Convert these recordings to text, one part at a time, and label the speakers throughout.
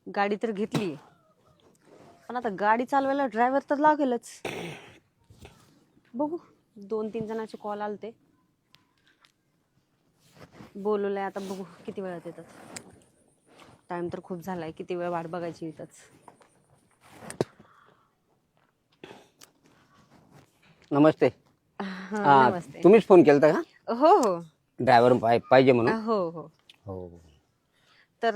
Speaker 1: गाडी तर घेतली, पण आता गाडी चालवायला ड्रायव्हर तर लागेलच. बघू, 2-3 जणांचे कॉल आलते, बोलवलंय. आता बघू किती वेळात येतात. टाइम तर खूप झालाय, किती वेळ वाट बघायची इथंच.
Speaker 2: नमस्ते.
Speaker 1: नमस्ते.
Speaker 2: तुम्हीच फोन केलता का?
Speaker 1: हो हो
Speaker 2: ड्रायव्हर पाहिजे म्हणून?
Speaker 1: हो हो.
Speaker 2: हो.
Speaker 1: तर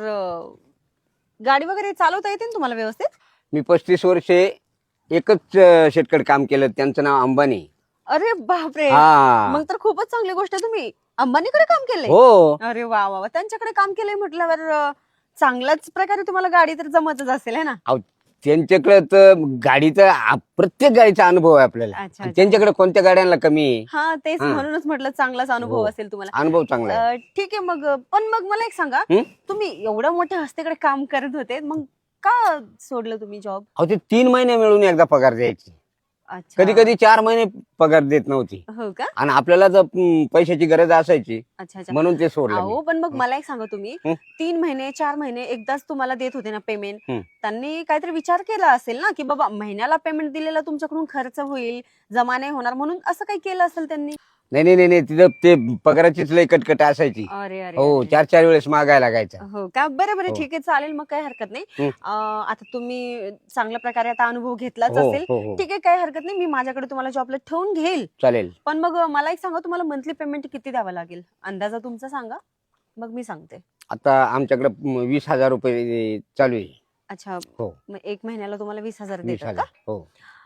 Speaker 1: गाडी वगैरे चालवता येते ना तुम्हाला व्यवस्थित?
Speaker 2: मी 35 वर्षे एकच शेतकरी काम केलं, त्यांचं नाव अंबानी.
Speaker 1: अरे बापरे,
Speaker 2: हा.
Speaker 1: मग तर खूपच चांगली गोष्ट आहे. तुम्ही अंबानीकडे काम केलंय?
Speaker 2: हो.
Speaker 1: अरे वा वा वा. त्यांच्याकडे काम केलंय म्हटल्यावर चांगल्याच प्रकारे तुम्हाला गाडी तर जमतच असेल है ना?
Speaker 2: अहो, त्यांच्याकडे तर गाडीचा प्रत्येक गाडीचा अनुभव आहे आपल्याला.
Speaker 1: अच्छा, अच्छा.
Speaker 2: त्यांच्याकडे कोणत्या गाड्यांना कमी आहे?
Speaker 1: हा तेच,
Speaker 2: हा.
Speaker 1: म्हणूनच म्हटलं चांगलाच अनुभव
Speaker 2: हो.
Speaker 1: असेल तुम्हाला.
Speaker 2: अनुभव चांगला आहे.
Speaker 1: ठीक आहे. मग पण मग मला एक सांगा,
Speaker 2: हं?
Speaker 1: तुम्ही एवढ्या मोठ्या हस्तीकडे काम करत होते, मग का सोडलं तुम्ही जॉब?
Speaker 2: अहो, ते 3 महिने मिळून एकदा पगार द्यायची.
Speaker 1: अच्छा.
Speaker 2: कधी कधी 4 महिने पगार देत नव्हती,
Speaker 1: हो का?
Speaker 2: आणि आपल्याला जर पैशाची गरज असायची
Speaker 1: अच्छा अच्छा.
Speaker 2: म्हणून ते सोडलं मी.
Speaker 1: अहो पण मग मला एक सांगा, तुम्ही
Speaker 2: हं?
Speaker 1: 3 महिने 4 महिने एकदाच तुम्हाला देत होते ना पेमेंट,
Speaker 2: हं.
Speaker 1: त्यांनी काहीतरी विचार केला असेल ना, की बाबा महिन्याला पेमेंट दिलेला तुमच्याकडून खर्च होईल, जमा नाही होणार, म्हणून असं काही केलं असेल त्यांनी?
Speaker 2: नाही, तिथं ते पगाराचीच लय कटकट असायची.
Speaker 1: अरे अरे
Speaker 2: हो,
Speaker 1: अरे.
Speaker 2: 4 वेळेस मागायला लागायचा.
Speaker 1: हो का? बरं बरं,
Speaker 2: हो.
Speaker 1: ठीक आहे, चालेल, मग काही हरकत नाही.
Speaker 2: हं.
Speaker 1: आता तुम्ही चांगल्या प्रकारे आता अनुभव घेतलाच
Speaker 2: हो,
Speaker 1: असेल.
Speaker 2: हो.
Speaker 1: ठीक आहे, काही हरकत नाही, मी माझ्याकडे तुम्हाला जॉबला ठेवून घेईल.
Speaker 2: चालेल.
Speaker 1: पण मग मला एक सांगा, तुम्हाला मंथली पेमेंट किती द्यावं लागेल? अंदाजा तुमचा सांगा, मग मी सांगते.
Speaker 2: आता आमच्याकडे 20,000 रुपये चालू आहे.
Speaker 1: अच्छा.
Speaker 2: हो.
Speaker 1: मग 1 महिन्याला तुम्हाला 20,000 देतात
Speaker 2: 20,000.
Speaker 1: का?
Speaker 2: हो.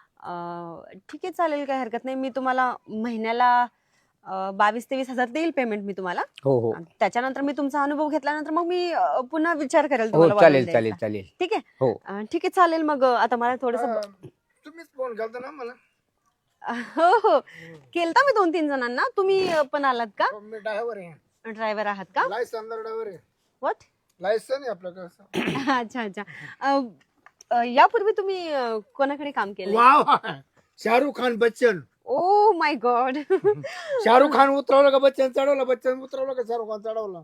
Speaker 1: ठीक आहे, चालेल, काही हरकत नाही. मी तुम्हाला महिन्याला 22,000 ते 20,000 देईल पेमेंट मी तुम्हाला.
Speaker 2: हो.
Speaker 1: आणि त्याच्यानंतर मी तुमचा अनुभव घेतल्यानंतर मग मी पुन्हा विचार करेल
Speaker 2: हो,
Speaker 1: तुम्हाला वाढवून
Speaker 2: चालेल.
Speaker 1: द्यायचा. ठीक आहे?
Speaker 2: हो.
Speaker 1: ठीक आहे, चालेल. मग आता मला थोडस.
Speaker 3: तुम्हीच फोन केलता ना मला?
Speaker 1: हो हो, केलता मी 2-3 जणांना. तुम्ही पण आलात का?
Speaker 3: मी ड्रायव्हर आहे,
Speaker 1: ड्रायव्हर आहात का?
Speaker 3: लायसन ड्रायव्हर आहे.
Speaker 1: व्हॉट?
Speaker 3: लायसन आहे आपलं कसं?
Speaker 1: अच्छा अच्छा. यापूर्वी तुम्ही कोणाकडे काम केलं?
Speaker 3: Wow, Shahrukh Khan Bachchan.
Speaker 1: Oh my god.
Speaker 3: Shahrukh Khan उतरवलं का बच्चन चढवलं, बच्चन उतरवलं का शाहरुख खान चढवलं?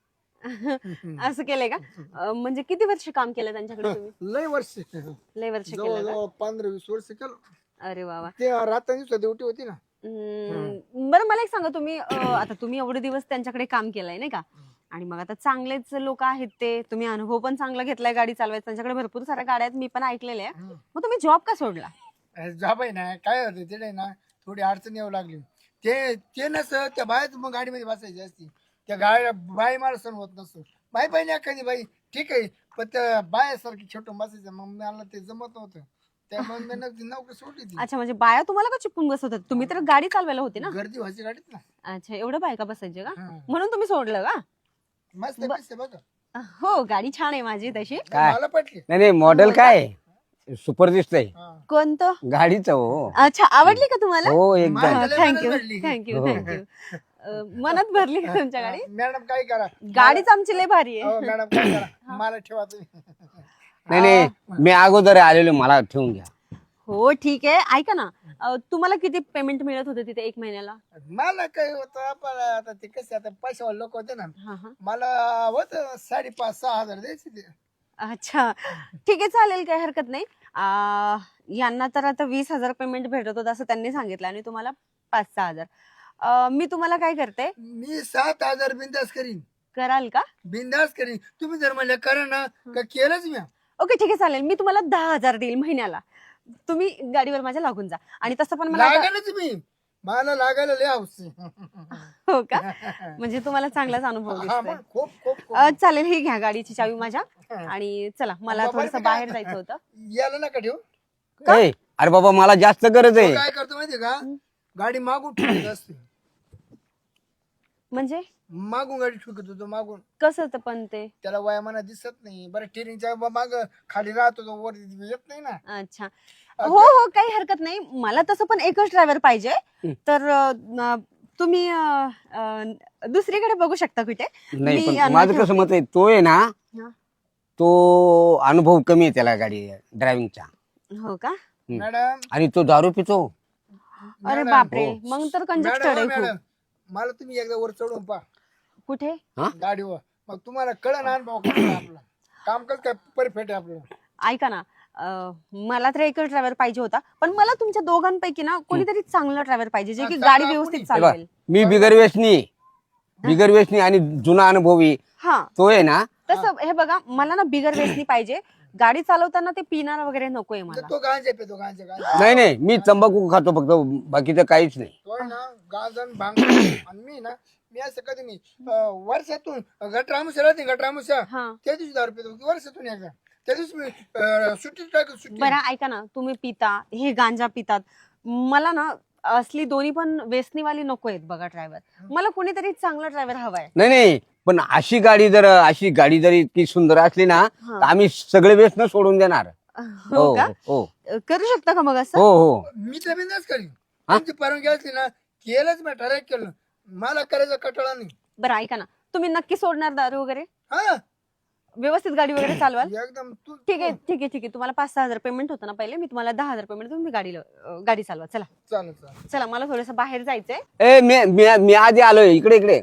Speaker 1: असं केलंय का? म्हणजे किती वर्ष काम केलं त्यांच्याकडे तुम्ही?
Speaker 3: लय वर्ष,
Speaker 1: लय वर्ष केलं का?
Speaker 3: जवळ 15-20 वर्ष केलं.
Speaker 1: अरे वा वा.
Speaker 3: ते रात्री दिवसा ड्युटी होती ना.
Speaker 1: बरं, मला एक सांगा, तुम्ही आता तुम्ही एवढे दिवस त्यांच्याकडे काम केलंय नाही का, आणि मग आता चांगलेच लोक आहेत ते, तुम्ही अनुभव पण चांगला घेतलाय गाडी चालवायचा, त्यांच्याकडे भरपूर साऱ्या गाड्या आहेत, मी पण ऐकलेले आहे. मग तुम्ही जॉब का सोडला?
Speaker 3: जॉब आहे ना, काय होतं तिथे ना, थोडी अडचण येऊ लागली. ते नसतं त्या बायच मग गाडीमध्ये बसायची असती. त्या गाड्या बाई मला सण होत नसतो. बाई पाहिजे एखादी बाई ठीक आहे, पण त्या बायासारखी छोटून बसायचं, मग मला ते जमत नव्हतं. त्यामुळे मी नोकरी सोडली ती.
Speaker 1: अच्छा, म्हणजे बाया तुम्हाला का चिपकून बसवतात? तुम्ही तर गाडी चालवायला होती ना.
Speaker 3: गर्दी व्हायची गाडीत ना.
Speaker 1: अच्छा, एवढं बायका बसायचे का?
Speaker 3: हा.
Speaker 1: म्हणून तुम्ही सोडलं का?
Speaker 3: मस्त आहे, मस्त आहे बघा.
Speaker 1: हो, गाडी छान आहे माझी तशी.
Speaker 2: काय?
Speaker 3: मला पटली.
Speaker 2: नाही, मॉडेल काय सुपर दिसतंय
Speaker 3: हा.
Speaker 1: कोणतं?
Speaker 2: गाडीचं. हो
Speaker 1: अच्छा, आवडली का तुम्हाला?
Speaker 2: हो, एकदम.
Speaker 3: मला लय
Speaker 1: थँक्यू
Speaker 3: मनात भरली.
Speaker 1: थँक्यू
Speaker 2: हो.
Speaker 1: थँक्यू. मनात भरली का तुमच्या गाडी?
Speaker 3: मॅडम काय करा,
Speaker 1: गाडीच आमची लय भारी आहे.
Speaker 3: मॅडम काय करा, मला ठेवा तुम्ही.
Speaker 2: नाही, मी अगोदर आलेलो, मला ठेवून घ्या.
Speaker 1: हो, ठीक आहे. ऐका ना, तुम्हाला किती पेमेंट मिळत होतं तिथे 1 महिन्याला?
Speaker 3: मला काय होतं, पण आता ते कसे आता पैशावाले लोक होते ना,
Speaker 1: हा हा.
Speaker 3: मला होत 5,500-6,000 द्यायचे ते.
Speaker 1: अच्छा, ठीक आहे, चालेल, काही हरकत नाही. यांना तर आता 20,000 पेमेंट भेटत होतं असं त्यांनी सांगितलं, आणि तुम्हाला 5-6,000. मी तुम्हाला काय करते,
Speaker 3: मी 7,000 बिंदास करीन,
Speaker 1: कराल का?
Speaker 3: बिंदास करीन. तुम्ही जर म्हणलं करा ना, का केलंच मी.
Speaker 1: ओके, ठीक आहे, चालेल. मी तुम्हाला 10,000 देईल महिन्याला. तुम्ही गाडीवर माझ्या लागून जा. आणि तसं पण मला आता-
Speaker 3: लागायला तुम्ही, मला लागायला लय हौस आहे.
Speaker 1: हो का? म्हणजे तुम्हाला चांगलाच अनुभव
Speaker 3: हा,
Speaker 1: दिसतोय.
Speaker 3: मग खूप खूप खूप.
Speaker 1: चालेल, ही घ्या गाडीची चावी माझ्या. आणि चला, मला
Speaker 3: बाबा,
Speaker 1: थोडस
Speaker 3: मी
Speaker 1: बाहेर
Speaker 3: काय-
Speaker 1: जायचं होतं.
Speaker 3: याला नका ठेवू.
Speaker 2: ए, अरे बाबा, मला जास्त गरज
Speaker 3: तो
Speaker 2: आहे.
Speaker 3: काय करतो माहितीये का, गाडी मागून ठेवत असते.
Speaker 1: म्हणजे
Speaker 3: मागून गाडी ठुकत होतो, मागून.
Speaker 1: कसं तर पण ते?
Speaker 3: त्याला वयामाना दिसत नाही. बरं, टिरिंगच्या माग खाली राहतो तो, वर येत नाही ना.
Speaker 1: अच्छा, हो हो, काही हरकत नाही. मला तसं पण एकच ड्रायव्हर पाहिजे. तर तुम्ही दुसरीकडे बघू शकता कुठे.
Speaker 2: नाही,
Speaker 1: मी
Speaker 2: पण
Speaker 1: यांना
Speaker 2: माझं कसं मत आहे, तो आहे ना,
Speaker 1: हा.
Speaker 2: तो अनुभव कमी आहे त्याला गाडी ड्रायव्हिंगचा.
Speaker 1: हो का?
Speaker 3: मॅडम,
Speaker 2: आणि तो दारू पितो.
Speaker 1: अरे
Speaker 3: मॅडम,
Speaker 1: बापरे,
Speaker 2: हो.
Speaker 1: मग तर कंजक्टेड आहे
Speaker 3: मॅडम,
Speaker 1: खूप.
Speaker 3: मला तुम्ही एकदा वर चढून पहा
Speaker 1: कुठे?
Speaker 2: हा?
Speaker 3: गाडीवर, मग तुम्हाला कळण अनुभव कसा आपला. काम कसं काय परफेक्ट आहे आपलं.
Speaker 1: ऐका ना, मला तर एकच ड्रायव्हर पाहिजे होता, पण मला तुमच्या दोघांपैकी ना कोणीतरी चांगला ड्रायव्हर पाहिजे जे की
Speaker 3: चांगला
Speaker 1: गाडी
Speaker 3: कोणी?
Speaker 1: व्यवस्थित
Speaker 2: हे बघ,
Speaker 1: चालवेल.
Speaker 2: मी बिगर व्यसनी आणि जुना अनुभवी
Speaker 1: हा,
Speaker 2: तो आहे ना.
Speaker 1: तसं हे बघा, मला ना बिगर व्यसनी पाहिजे. गाडी चालवताना ते पिणार वगैरे नकोय मला.
Speaker 3: तो गांजा पितो गांजा
Speaker 2: नाही मी तंबाखू खातो फक्त, बाकीचं काहीच नाही.
Speaker 3: तो आहे ना गांजा भांग आणि मी असं कधी नाही वर्षातून गटरामुशा राहते गटरामुशा
Speaker 1: हा,
Speaker 3: त्या दिवशी दारू पितो वर्षातून एकदा. त्या दिवशी मी सुट्टी टाकतो सुट्टी.
Speaker 1: बरं ऐका ना, तुम्ही पिता, हे गांजा पितात, मला ना असली दोन्ही पण व्यसनीवाली नको आहेत बघा ड्रायव्हर. मला कोणीतरी चांगला ड्रायव्हर हवाय.
Speaker 2: नाही पण अशी गाडी जर इतकी सुंदर असली ना,
Speaker 1: हा.
Speaker 2: तर आम्ही सगळे व्यसन सोडून देणार.
Speaker 1: हो का?
Speaker 2: हो
Speaker 1: करू शकता का मग असं?
Speaker 2: हो
Speaker 3: मी तर बिंदास करीन. तुमची परवानगी असली ना केलंच मी ठराव केलं. मला करायचा कटाळा नाही.
Speaker 1: बरं ऐका ना, तुम्ही नक्की सोडणार दारू वगैरे?
Speaker 3: हा
Speaker 1: व्यवस्थित गाडी वगैरे चालवाल?
Speaker 3: एकदम तू
Speaker 1: ठीक आहे. तुम्हाला 5-6 हजार पेमेंट होतं ना पहिले, मी तुम्हाला 10,000 पेमेंट तुम्ही गाडी चालवा. चला
Speaker 3: चालेल
Speaker 1: चला, मला थोडस बाहेर जायचंय.
Speaker 2: ए मी आधी आलोय इकडे.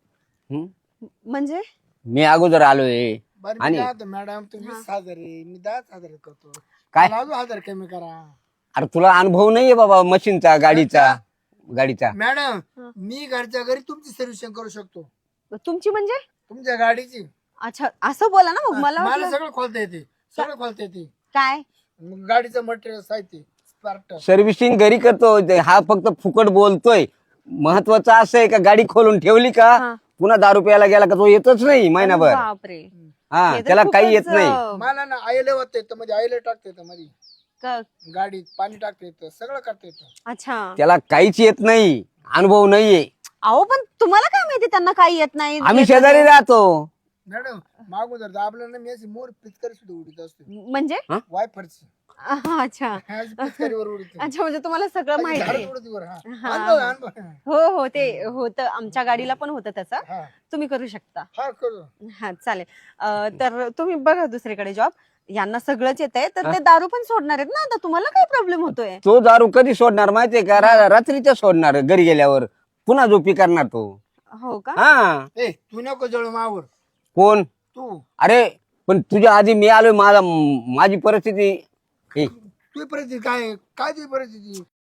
Speaker 1: म्हणजे
Speaker 2: मी अगोदर आलोय.
Speaker 3: बरं मी
Speaker 2: आणि-
Speaker 3: काय म्हणतो, मॅडम तुम्ही 20,000 आहे मी 10,000 करतो.
Speaker 2: काय?
Speaker 3: मला अजून 1,000 कमी करा.
Speaker 2: अरे तुला अनुभव नाहीये बाबा मशीनचा, गाडीचा.
Speaker 3: मॅडम
Speaker 1: हा.
Speaker 3: मी घरच्या घरी तुमची सर्व्हिसिंग करू शकतो.
Speaker 1: तुमची म्हणजे?
Speaker 3: तुमच्या गाडीची
Speaker 1: अच्छा, असं बोला ना मग. मला
Speaker 3: मला
Speaker 1: वाटलं
Speaker 3: सगळं खोलता येते.
Speaker 1: काय?
Speaker 3: मग गाडीचं मटेरियल साहित्य स्पार्क
Speaker 2: सर्व्हिसिंग घरी करतो. हा फक्त फुकट बोलतोय. महत्वाचं असं आहे का गाडी खोलून ठेवली का
Speaker 1: हा.
Speaker 2: पुन्हा दारू प्यायला गेला का तो येतच नाही महिनाभर.
Speaker 1: बापरे,
Speaker 2: हा
Speaker 1: हे तर
Speaker 2: त्याला काही येत
Speaker 1: खूपच,
Speaker 2: नाही.
Speaker 3: मला ना आयले होत येतं मध्ये आयले टाकता येतं मध्ये
Speaker 1: क-
Speaker 3: गाडीत पाणी टाकता येतं सगळं करता येतं.
Speaker 1: अच्छा.
Speaker 2: त्याला काहीच येत नाही, अनुभव नाहीये.
Speaker 1: अहो पण तुम्हाला काय माहिती त्यांना काही येत नाही?
Speaker 2: आम्ही
Speaker 1: येत
Speaker 2: शेजारी
Speaker 1: नाही.
Speaker 2: राहतो.
Speaker 3: मॅडम मागून जर दाबलं ना मी अशी मोर पिचकारी सुद्धा उडीत असतो.
Speaker 1: म्हणजे?
Speaker 3: वायफरची
Speaker 1: अच्छा
Speaker 3: पिचकारीवर उडीत
Speaker 1: अच्छा, म्हणजे तुम्हाला सगळं माहिती आहे.
Speaker 3: हा
Speaker 1: हा.
Speaker 3: अनुभव.
Speaker 1: हो ते होतं, आमच्या गाडीला पण होतं त्याचं.
Speaker 3: हा
Speaker 1: तुम्ही करू शकता.
Speaker 3: हा करू.
Speaker 1: हा चालेल. तर तुम्ही बघा दुसरीकडे जॉब. यांना सगळंच येतंय, तर ते दारू पण सोडणार आहेत ना आता. तुम्हाला काय प्रॉब्लेम होतोय?
Speaker 2: तो दारू कधी सोडणार माहितीये का? रात्रीच्या सोडणार, घरी गेल्यावर पुन्हा झोपी करणार तो.
Speaker 1: हो का?
Speaker 2: हा.
Speaker 3: ए तू नको जळू मावर
Speaker 2: कोण?
Speaker 3: तू
Speaker 2: अरे पण तुझ्या आधी मी आलोय. माझी परिस्थिती
Speaker 3: तुझी परिस्थिती काय काय तुझी परिस्थिती